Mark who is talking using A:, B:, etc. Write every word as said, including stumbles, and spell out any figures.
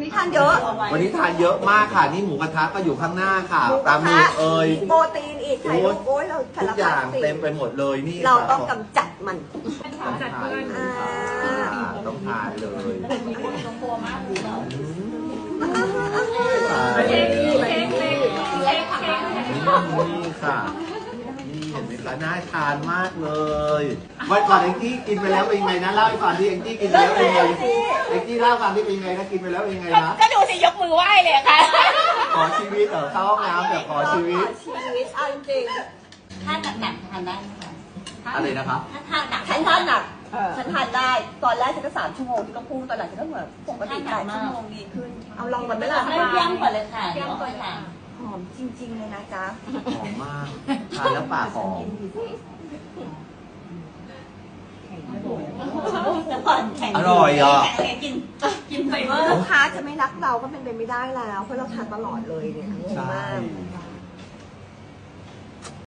A: ทานเยอะ
B: วันนี้ทานเยอะมากค่ะนี่หมูกระทะก็อยู่ข้างหน้าค่ะปลาหมึกเอ่ย
A: โปรตีนอีกไข่ลูกโอ้ยเรา
B: ทุกอย่างเต็มไปหมดเลยนี่
A: เราต้องกำจัดมัน
B: ต้องทานต้องทานเลยนี่ค่ะนี่เห็นไหมคะน่าทานมากเลยวันก่อนเอ็งจี้กินไปแล้วเป็นไงนะเล่าให้ฟังที่เอ็งจี้กินไปแล้วเป็นไงเอ็งจี้เล่าฟังที่เป็นไงนะกินไปแล้วเป็นไงนะ
C: ก็ดูสิยกมือไหว้เลยค่ะ
B: ขอชีวิตเหรอเข้าห้องน้ำแบบขอชีวิต
A: ชีวิตเอาจริง
C: ถ้าหนักๆทานได้ไหมคะ
B: อะไรนะครับ
C: ถ้าทานหนัก
A: ฉันทานหนักฉันทานได้ตอนแรกฉันก็สามชั่วโมงที่ก็พุ่งตอนหลังฉันก็เหมือนปกติแปดชั่วโมงดีขึ้นเอาลองกันไหมล่ะ
C: ไม่ย่างก่อนเลยค่ะย่างก่อนค่ะ
A: หอมจริงๆเลยนะจ๊ะ
B: หอมมากทานแล้วปากหอมอร่อยอ่ะ
C: กินกินไป
A: ลูกค้าจะไม่รักเราก็เป็นไปไม่ได้แล้วเพราะเราทานตลอดเลยเนี่ยงงมาก